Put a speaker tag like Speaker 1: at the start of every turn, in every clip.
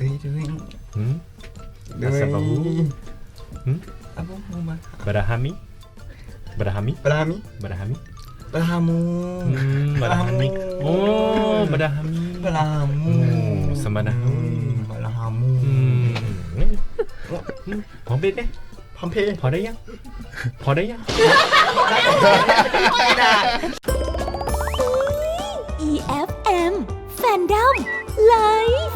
Speaker 1: Asababu Barahami Barahami
Speaker 2: Barahami
Speaker 1: Barahami
Speaker 2: Barahamu
Speaker 1: Barahami Oh Barahami
Speaker 2: Barahamu
Speaker 1: Samanahu
Speaker 2: Barahamu
Speaker 1: พร้อมเป็นไหม
Speaker 2: พร้อมเพย์
Speaker 1: พอได้ยังพอได้ยัง
Speaker 3: EFM Fandom Live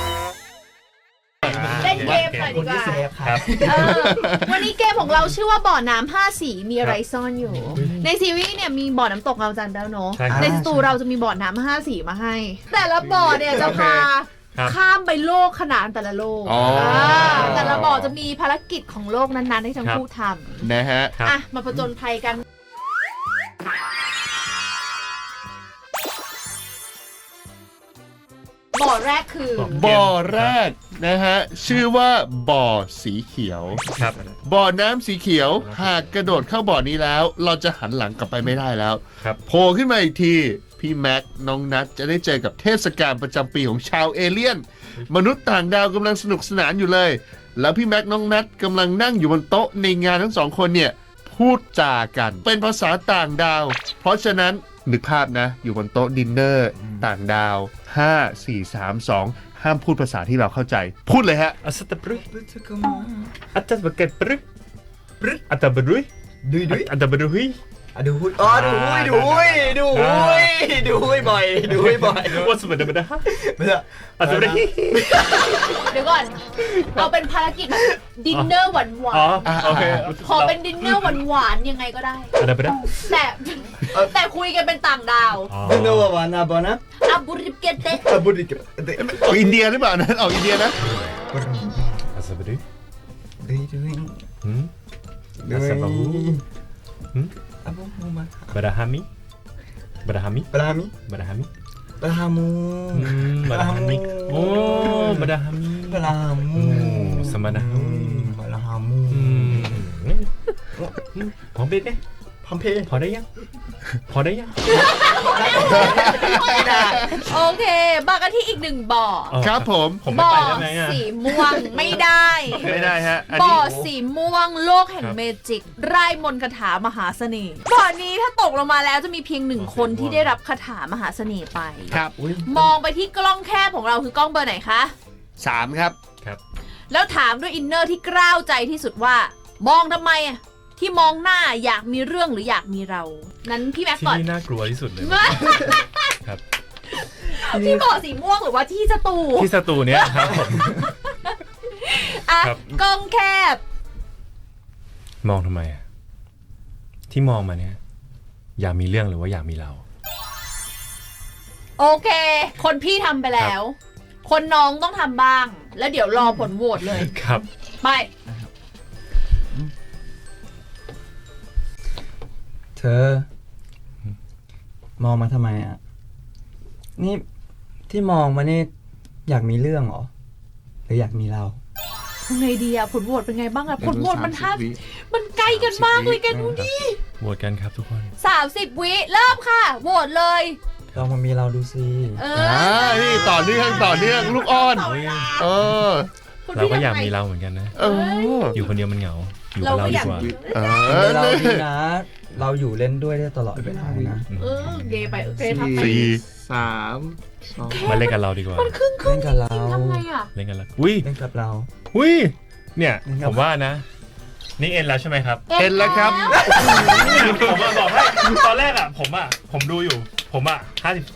Speaker 4: เล่นเกมหน่อยดีกว่า
Speaker 1: ครับ
Speaker 4: วันนี้เกมของเราชื่อว่าบ่อน้ำ5สีมีอะไรซ่อนอยู่ ในซีรีส์เนี่ยมีบ่อน้ำตกเงาจันทร์แล้วเนาะ
Speaker 1: ใช่ครับ
Speaker 4: ในสตูเราจะมีบ่อน้ำ5สีมาให้ แต่ละบ่อเนี่ยจะพา
Speaker 1: ครับ
Speaker 4: ข้ามไปโลกขนานแต่ละโลก
Speaker 5: อ๋อ
Speaker 4: แต่ละบ่อจะมีภารกิจของโลกนั้นๆให้ทั้งคู่ท
Speaker 5: นะฮะ
Speaker 1: ครับ
Speaker 4: ำอ่ะมาผจญภัยกัน บ่อแรกคือ
Speaker 5: บ่อแรกนะฮะชื่อว่าบ่อสีเขียว
Speaker 1: ครับ
Speaker 5: บ่อน้ำสีเขียวหากกระโดดเข้าบ่อนี้แล้ว เราจะหันหลังกลับไปไม่ได้แล้ว
Speaker 1: ครับ
Speaker 5: โผล่ขึ้นมาอีกทีพี่แม็กน้องนัทจะได้เจอกับเทศกาลประจำปีของชาวเอเลี่ยน มนุษย์ต่างดาวกำลังสนุกสนานอยู่เลย แล้วพี่แม็กน้องนัทกำลังนั่งอยู่บนโต๊ะในงานทั้งสองคนเนี่ยพูดจากันเป็นภาษาต่างดาว เพราะฉะนั้นนึกภาพนะอยู่บนโต๊ะดินเนอร์ต่างดาว 5 4 3 2 ห้ามพูดภาษาที่เราเข้าใจ พูดเลยฮะ
Speaker 1: อัสตะปรึอัตตะบะเกตปรึอัตตะบรุย
Speaker 2: ดุยดุย
Speaker 1: อัตตะบรุย
Speaker 2: ดูหุยอ๋อดูหุยดูหุยดูหุยดูหุยบ่อยดูหุยบ่อย
Speaker 1: ว่าสมัยเดิมนะฮะ
Speaker 2: ไม่ใช่
Speaker 1: อัตตะบรุย
Speaker 4: เดี๋ยวก่อน เอาเป็นภารกิจแบบดินเนอร์หวาน
Speaker 1: อ๋อโอเค
Speaker 4: ๆขอเป็นดินเนอร์หวานๆยังไงก็ได้
Speaker 1: อัตตะบรุย
Speaker 4: แต่คุยกันเป็นต่างดาว
Speaker 2: ดูโนวานาบอนะ
Speaker 4: อาบุริเกเต
Speaker 2: อาบุริกเด
Speaker 5: ออกอินเดียหรือเปล่านะออกอินเดียนะ
Speaker 1: อัสตะบรุย
Speaker 2: ดุยดุย
Speaker 1: Asababu Barahami Barahami
Speaker 2: Barahami
Speaker 1: Barahami
Speaker 2: Barahamu
Speaker 1: Barahami Oh Barahami
Speaker 2: Barahamu
Speaker 1: Samanahu
Speaker 2: Barahamu
Speaker 1: พร้อมเป็นไหม
Speaker 2: พร้อมเพย์
Speaker 1: พอได้ยังพอได้ยัง
Speaker 4: โอเคมากันที่อีกหนึ่งบ่อ
Speaker 5: ครับผม
Speaker 1: ผมไม่
Speaker 4: บ่อ
Speaker 1: ไปได้ไหมอ่ะ
Speaker 4: สีม่วงไม่ได้
Speaker 5: ไม่ได้ฮะอัน
Speaker 4: บ่อ
Speaker 5: นี้
Speaker 4: สีม่วงโลกแห่ง
Speaker 1: ครับ
Speaker 4: เมจิกไร่มนต์คาถามหาเสน่ห์บ่อนี้ถ้าตกลงมาแล้วจะมีเพียงหนึ่งคนที่ได้รับคาถามหาเสน่ห์ไป
Speaker 5: ครับ
Speaker 4: มองไปที่กล้องแคบของเราคือกล้องเบอร์ไหนคะ
Speaker 5: 3 ครับ
Speaker 1: ครับ
Speaker 4: แล้วถามด้วยอินเนอร์ที่กล้าวใจที่สุดว่า มองทำไมอะที่มองหน้าอยากมีเรื่องหรืออยากมีเรา นั้นพี่แม็ก
Speaker 1: ที่
Speaker 4: ก่อน
Speaker 1: นี่น่ากลัวที่สุดเลยครับ
Speaker 4: ที่บ่อสีม่วงหรือว่าที่สตู
Speaker 1: ที่สตูเนี้ยครับผม
Speaker 4: อ่ะ
Speaker 1: ครับ
Speaker 4: กล้องแคบ
Speaker 1: มองทำไมอ่ะที่มองมาเนี้ยอยากมีเรื่องหรือว่าอยากมีเรา
Speaker 4: โอเค คนพี่ทำไปแล้ว คนน้องต้องทำบ้าง แล้วเดี๋ยวรอผลโหวตเลย
Speaker 1: ครับ
Speaker 4: ไป
Speaker 2: เธอ มองมาทำไมอ่ะ นี่ที่มองมานี่อยากมีเรื่องเหรอ หรืออยากมีเรา
Speaker 4: ไงดีอะผลโหวตเป็นไงบ้างอะผลโหวตมัน
Speaker 5: 30 วิ
Speaker 4: มันใกล้กันมากเลยแกดูดิ
Speaker 1: โหวตกันครับทุกคน
Speaker 4: 30 วิเริ่มค่ะโหวตเลย
Speaker 2: ลองมามีเราดูสิ
Speaker 4: เอ
Speaker 5: นี่ต่อเนื่องลูกอ้อน เออ
Speaker 4: คุณ
Speaker 1: เรา
Speaker 4: พี่
Speaker 1: ก็
Speaker 4: ทำไง
Speaker 1: อยากมีเราเหมือนกันนะ
Speaker 5: เออ
Speaker 1: อยู่คนเดียวมันเหงา อยู่กับเราดีกว่า
Speaker 5: เอ
Speaker 2: มีเรา
Speaker 5: อ
Speaker 2: ดีนะ เราอยู่เล่นด้วยได้ตลอดเวลานะ
Speaker 4: เออเกย์ไปเกย์ทำไป
Speaker 5: สี่
Speaker 1: มาเล่นกับเราดีกว่า
Speaker 4: มันครึ่ง
Speaker 2: เล่นกับเรา
Speaker 4: ทำไงอะ
Speaker 1: เล่นกันแล้วอุ้ย
Speaker 2: เล่นกับเรา
Speaker 1: อุ้ยเนี่ย
Speaker 2: เล่นกับ
Speaker 1: ผมว่านะ นี่เอ็นแล้วใช่ไหมครับ
Speaker 5: เห็นแล้วครับ
Speaker 1: ผมบอกให้ตอนแรกอ่ะผมดูอยู่ ผมอ่ะ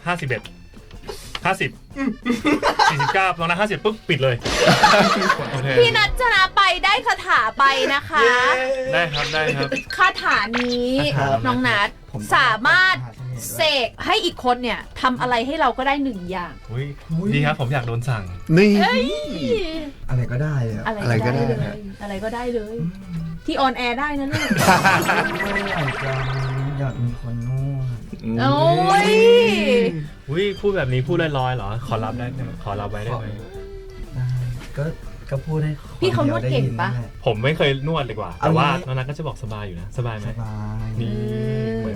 Speaker 1: 49ตอนนั้น50ปุ๊บปิดเลยโอเค
Speaker 4: พี่นัทชนะไปได้คาถาไปนะคะ
Speaker 1: ได้ครับได้ครับ
Speaker 4: คาถานี้
Speaker 2: ครับ
Speaker 4: น้องนัท
Speaker 2: ผม
Speaker 4: สามารถเสกให้อีกคนเนี่ยทำอะไรให้เราก็ได้หนึ่งอย่าง
Speaker 1: อุ้ยดีครับผมอยากโดนสั่ง
Speaker 5: นี่
Speaker 2: อะไรก็ได้อะ
Speaker 4: อะไรก็ได้
Speaker 5: อะไรก็ได้
Speaker 4: เลย
Speaker 5: ฮะ
Speaker 4: อะไรก็ได้เลย ที่ออนแอร์ได้นะลูก
Speaker 2: อยากมีคนนวด
Speaker 4: โอ้ย
Speaker 1: อุ้ยพูดแบบนี้พูดลอยๆเหรอ ขอรับได้ไหมขอรับไว้ได้ไหม
Speaker 2: ได้ก็พูดให้ค
Speaker 4: พี่เขานวดเก่งปะ
Speaker 2: ดียได้ยินนั่นแหล
Speaker 1: ผมไม่เคยนวดเลยกว่า แต่ว่าน้องนัทก็จะบอกสบายอยู่นะ สบายไหม
Speaker 2: สบาย
Speaker 1: นี่เหมือน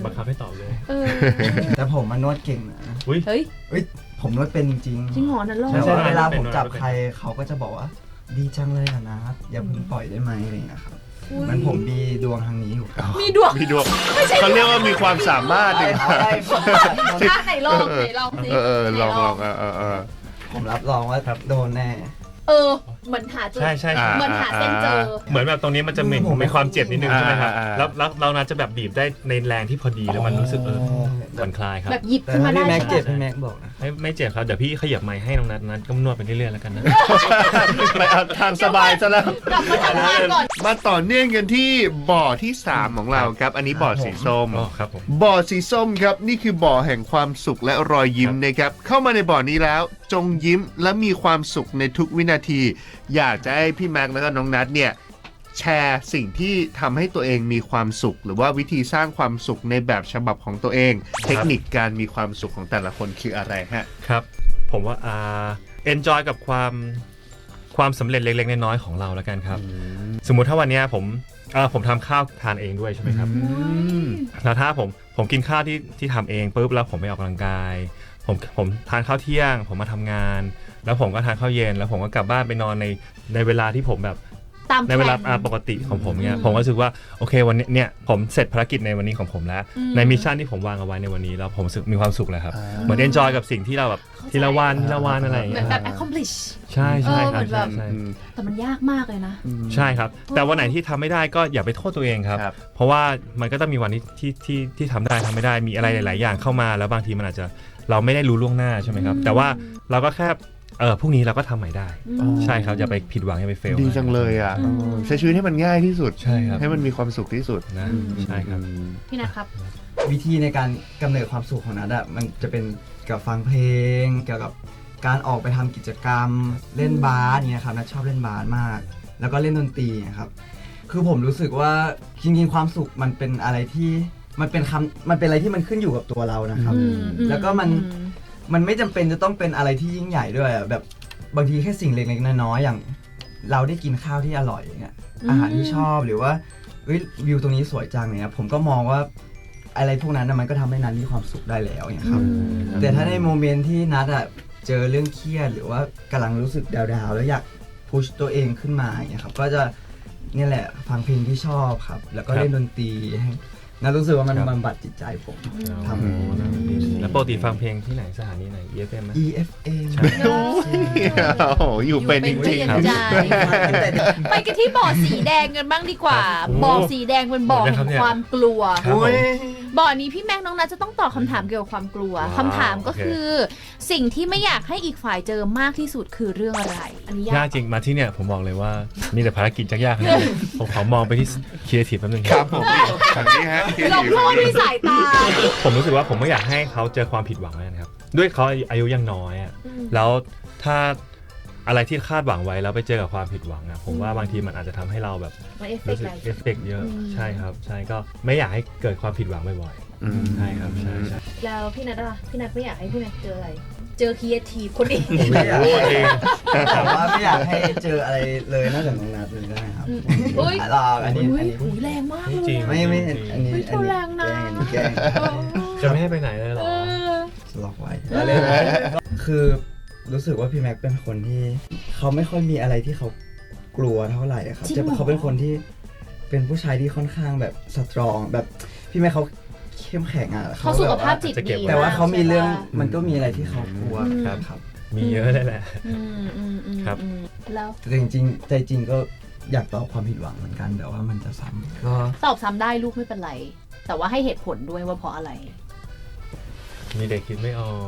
Speaker 1: บังคับให้ตอบเลย
Speaker 4: เออ
Speaker 2: แต่ผมมันนวดเก่งนะ
Speaker 1: อุ้ย
Speaker 4: เฮ้ย
Speaker 2: เอ้ยผมนวดเป็นจริง
Speaker 4: จริงเหรอนั่นลอง
Speaker 2: แต่
Speaker 1: ใช่
Speaker 2: ว่าเวลาผมจับ
Speaker 1: เป็น
Speaker 2: ใครเขาก็จะบอกว่า ดีจังเลยอะนะอย่าเพิ่งปล่อยได้ไหมอะไรอย่างเงี้ยครับมันผมมีดวงทางนี้อยู่ครับ
Speaker 4: มีดวง
Speaker 5: มีดวงเขาเรียกว่ามีความสามารถดีกว่า
Speaker 2: อะไร
Speaker 4: อ่ะไหนลองไหนลองสิ
Speaker 5: ลอง
Speaker 4: ไหน
Speaker 2: ผมรับรองว่าโดนแน่
Speaker 4: เหมือนหาจุด
Speaker 1: ใช่ใช่
Speaker 5: อ่า
Speaker 4: เหมือนหาเส้นเจอ
Speaker 1: เหมือนแบบตรงนี้มันจะมีความเจ็บนิดนึงใช่ไหมครับ
Speaker 5: อ่า
Speaker 1: แล้วเราน่าจะแบบบีบได้ในแรงที่พอดีแล้วมันรู้สึกผ่อนคลายครับ
Speaker 4: แบบหยิบ
Speaker 2: แต่
Speaker 4: ขึ้น
Speaker 2: ถ้า
Speaker 4: มาได้
Speaker 2: พี่แม็ก
Speaker 4: ใช่
Speaker 2: เจ็บ
Speaker 4: ปะ
Speaker 2: พี่แม็กบอกนะ
Speaker 1: ไม่เจ็บครับเดี๋ยวพี่ขยับไมค์ให้น้องนัทก็นวดไปเรื่อยๆแล้วกันนะ
Speaker 5: ไปเอาทางสบายซะแล้ว
Speaker 4: กลับมาทำงานก่อน
Speaker 5: มาต่อเนื่องกันที่บ่อที่ 3 ของเราครับ อันนี้บ่อสีส้ม
Speaker 1: อ๋อครับผม
Speaker 5: บ่อสีส้มครับ นี่คือบ่อแห่งความสุขและรอยยิ้มนะครับ เข้ามาในบ่อนี้แล้ว จงยิ้มและมีความสุขในทุกวินาที อยากจะให้พี่แม็กซ์แล้วก็น้องนัทเนี่ยแชร์สิ่งที่ทำให้ตัวเองมีความสุข หรือว่าวิธีสร้างความสุขในแบบฉบับของตัวเอง เทคนิคการมีความสุขของแต่ละคนคืออะไรฮะ
Speaker 1: ครับผมว่าenjoy กับความสำเร็จเล็กๆน้อยๆของเราแล้วกันครับ สมมุติถ้าวันเนี้ยผมทำข้าวทานเองด้วยใช่ไหมครับแล้วถ้าผมกินข้าวที่ทำเองปุ๊บแล้วผมไปออกกำลังกายผมทานข้าวเที่ยงผมมาทำงาน แล้วผมก็ทานข้าวเย็นแล้วผมก็กลับบ้านไปนอนในเวลาที่ผมแบบ
Speaker 4: ตาม
Speaker 1: ในเวลา
Speaker 4: แผน
Speaker 1: ปกติของผมเนี่ยผมก็รู้สึกว่าโอเควันนี้เนี่ยผมเสร็จภารกิจในวันนี้ของผมแล้ว ในมิชชั่นที่ผมวางเอาไว้ในวันนี้แล้วผมรู้สึกมีความสุขเลยครับเหมือน enjoy กับสิ่งที่เราแบบทีละวันอะไรอย่าง
Speaker 4: เหมื
Speaker 1: เงี้
Speaker 4: อน
Speaker 1: ย
Speaker 4: แบบ accomplish
Speaker 1: ใช่ใช่ค
Speaker 4: เห
Speaker 1: รั
Speaker 4: มื
Speaker 1: บ
Speaker 4: อนแบบ
Speaker 1: ใช่
Speaker 4: แต่มันยากมากเลยนะ
Speaker 1: ใช่ครับ แต่วันไหนที่ทำไม่ได้ก็อย่าไปโทษตัวเองครับ
Speaker 5: ครับ
Speaker 1: เพราะว่ามันก็ต้องมีวันที่ทำได้ทำไม่ได้มีอะไรหลาย ๆ อย่างเข้ามาแล้วบางทีมันอาจจะเราไม่ได้รู้ล่วงหน้าใช่ไหมครับ แต่ว่าเราก็แค่พรุ่งนี้เราก็ทำใหม่ได้ ใช่ครับอย่าไปผิดหวังอย่าไปเฟล
Speaker 5: ดีจังเลยอ่ะใช้ชีวิตให้มันง่ายที่สุด
Speaker 1: ใช่ครับ
Speaker 5: ให้มันมีความสุขที่สุด
Speaker 1: นะใช่ครับ
Speaker 4: พี่นัทครับ
Speaker 2: วิธีในการกำเนิดความสุขของนัทอะมันจะเป็นเกี่ยวกับฟังเพลง เกี่ยวกับการออกไปทำกิจกรรมเล่นบาสเนี่ยครับนัทชอบเล่นบาสมาก แล้วก็เล่นดนตรีนะครับคือผมรู้สึกว่าจริงๆความสุขมันเป็นอะไรที่มันเป็นอะไรที่มันขึ้นอยู่กับตัวเรานะครับ แล้วก็มันไม่จำเป็นจะต้องเป็นอะไรที่ยิ่งใหญ่ด้วยอะแบบบางทีแค่สิ่งเล็กๆน้อยๆอย่างเราได้กินข้าวที่อร่อยอย่างเงี้ยอาหารที่ชอบหรือว่าวิวตรงนี้สวยจังเนี่ยผมก็มองว่าอะไรพวกนั้นนะมันก็ทำให้นัทมีความสุขได้แล้วอย่างครับ แต่ถ้าในโมเมนต์ที่นัทอะเจอเรื่องเครียดหรือว่ากำลังรู้สึกดาวๆแล้วอยากพุชตัวเองขึ้นมาอย่างเงี้ยครับก็จะเนี่ยแหละฟังเพลงที่ชอบครับ แล้วก็เล่นดนตรีให้นัทรู้สึกว่ามันบำบัดจิตใจผมทำ
Speaker 1: แล้วปกติฟังเพลงที่ไหนสถานีไหน EFM ไหม
Speaker 2: EFM
Speaker 5: โอ้โหอยู่เป็นจริงๆครับ
Speaker 4: ใจไปกันที่บ่อสีแดงกันบ้างดีกว่า บ่อสีแดงเป็นบ่อแห่งความกลัว
Speaker 1: ครับผม
Speaker 4: บ่อนี้พี่แม็กน้องนัทจะต้องตอบคำถามเกี่ยวกับความกลัว
Speaker 1: ว้าว
Speaker 4: คำถามก็คือ สิ่งที่ไม่อยากให้อีกฝ่ายเจอมากที่สุดคือเรื่องอะไร อันนี้
Speaker 1: ยาย
Speaker 4: าก ก
Speaker 1: จริงมาที่เนี่ยผมบอกเลยว่ามีแต่ภารกิจยากๆนะผมขอมองไปที่ครีเอทีฟแป๊บนึง
Speaker 5: ครับผมฝั่งนี้ฮะ
Speaker 4: หลบโลกด้วยสายตา
Speaker 1: ผมรู้สึกว่าผมไม่อยากให้เขาเจอความผิดหวังนะครับด้วยเขาอายุยังน้อยอะแล้วถ้าอะไรที่คาดหวังไว้แล้วไปเจอกับความผิดหวังอะผมว่าบางทีมันอาจจะทำให้เราแบบ
Speaker 4: มันเอฟเฟ
Speaker 1: รู้
Speaker 4: กต์
Speaker 1: สึก
Speaker 4: อะไร
Speaker 1: เอฟเฟกต์เยอะใช่ครับใช่ก็ไม่อยากให้เกิดความผิดหวังบ่อยๆใช่ครับใช่ใช่
Speaker 4: แล้วพี่นัทอะพี่นัทไม่อยากให้พี่แม็กเจออะไร เจอครีเอทีฟคนนี้
Speaker 2: ไม่อยาก
Speaker 1: โอ้จริง
Speaker 2: แต่ว่าไม่อยากให้เจออะไรเลยนอกจากน้องนัทเลยได้ไหมครับ
Speaker 4: อุ้ย
Speaker 2: หลอกอันนี้
Speaker 4: อุ้ยแรงมากเลย
Speaker 1: จริง
Speaker 2: ไม่อันนี้
Speaker 4: เฮ้ยเขาแรงนะ
Speaker 2: แกล้ง
Speaker 1: จะไม่ให้ไปไหนเลยเหรอ
Speaker 2: หลอกไว้แล้วเลยคือรู้สึกว่าพี่แม็กเป็นคนที่เขาไม่ค่อยมีอะไรที่เขากลัวเท่าไหร่อะครับจะเขาเป็นคนที่เป็นผู้ชายที่ค่อนข้างแบบสตรองแบบพี่แม็กเขาเข้มแข็งอ่ะ
Speaker 4: เขาสุขภาพจิตดี
Speaker 2: แต่ว่าเขามีเรื่อง
Speaker 4: ใช่ปะ
Speaker 2: มันก็มีอะไรที่เขากลัวครับ
Speaker 1: มีเยอะเลยแหละ ครับ
Speaker 4: แล้ว
Speaker 2: แต่จริงๆใจจริงก็อยากตอบความผิดหวังเหมือนกันแต่ว่ามันจะซ้ำก็
Speaker 4: ตอบซ้ำได้ลูกไม่เป็นไร แต่ว่าให้เหตุผลด้วยว่าเพราะอะไร
Speaker 1: มีเด็กคิดไม่ออก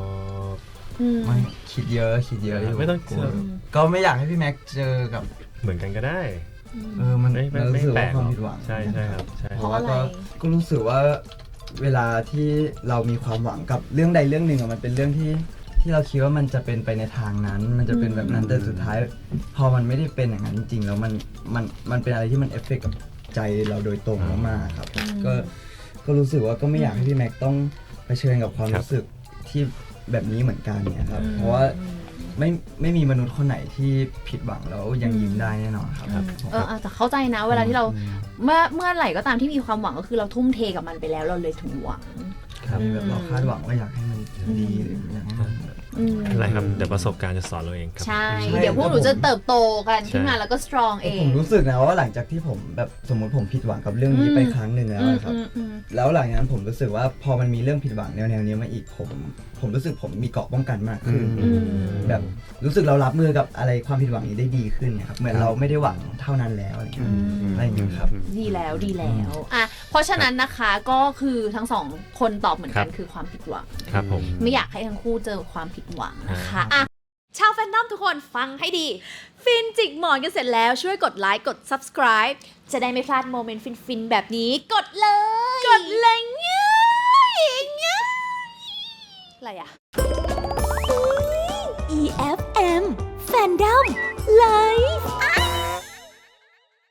Speaker 2: ไม่คิดเยอะอยู่
Speaker 1: ไม่ต้อง
Speaker 2: กลัวก็ไม่อยากให้พี่แม็กเจอกับ
Speaker 1: เหมือนกันก็ได้
Speaker 2: มัน
Speaker 1: ไม่
Speaker 2: รู้สึก
Speaker 1: แปล
Speaker 2: ว่าก ความ
Speaker 1: หรอก
Speaker 2: ผิดหวัง
Speaker 1: ใช่ใช่ครับใช่
Speaker 2: เพราะว่าก็รู้สึกว่าเวลาที่เรามีความหวังกับเรื่องใดเรื่องหนึ่งอะมันเป็นเรื่องที่เราคิดว่ามันจะเป็นไปในทางนั้น มันจะเป็นแบบนั้นแต่สุดท้าย พอมันไม่ได้เป็นอย่างนั้นจริงๆแล้วมันเป็นอะไรที่มันเอฟเฟกต์กับใจเราโดยตรงมากๆครับก็รู้สึกว่าก็ไม่อยากให้พี่แม็กต้องเผชิญกับความรู้สึกที่แบบนี้เหมือนกันเนี่ยครับเพราะว่าไม่มีมนุษย์คนไหนที่ผิดหวังแล้วยังยิ้มได้แน่นอนครับผม
Speaker 4: แต่เข้าใจนะเวลาที่เราเมื่อไหร่ก็ตามที่มีความหวังก็คือเราทุ่มเทกับมันไปแล้วเราเลยถึงหวัง
Speaker 2: ครับแบบเราคาดหวังว่าอยากให้มันดีหรืออยากให้มันแบบ
Speaker 1: อะไรครับเดี๋ยวประสบการณ์จะสอนเราเองครับ
Speaker 4: ใช่
Speaker 2: ใช่
Speaker 4: เดี๋ยวพวกหนูจะเติบโตกัน
Speaker 1: ใช่
Speaker 4: ขึ้นมาแล้วก็สตรองเอง
Speaker 2: ผมรู้สึกนะว่าหลังจากที่ผมแบบสมมติผมผิดหวังกับเรื่องนี้ไปครั้งหนึ่งแล้วนะครับ แล้วหลังจากนั้นผมรู้สึกว่าพอมันมีเรื่องผิดหวังแนวนี้มาอีกผมรู้สึกผมมีเกราะป้องกันมากขึ้น แบบรู้สึกเรารับมือกับอะไรความผิดหวังนี้ได้ดีขึ้นเนี่ยครับเหมือนเราไม่ได้หวังเท่านั้นแล้วอะไรอย่างเงี้ยอะไรอย่างเงี้ยครับ
Speaker 4: ดีแล้วอ่ะเพราะฉะนั้นนะคะก็คือทั้งสองคนตอบเหมือนกันคือความผิดหวัง
Speaker 1: ครับผม
Speaker 4: ไม่อยากให้ทั้งคู่เจอความผิดหวังนะคะอ่ะชาวแฟนดอมทุกคนฟังให้ดี ฟินจิกหมอนกันเสร็จแล้วช่วยกดไลค์กด subscribe จะได้ไม่พลาดโมเมนต์ฟินๆแบบนี้กดเลยง่ายอะไรอ่ะ
Speaker 3: EFM Fandom Live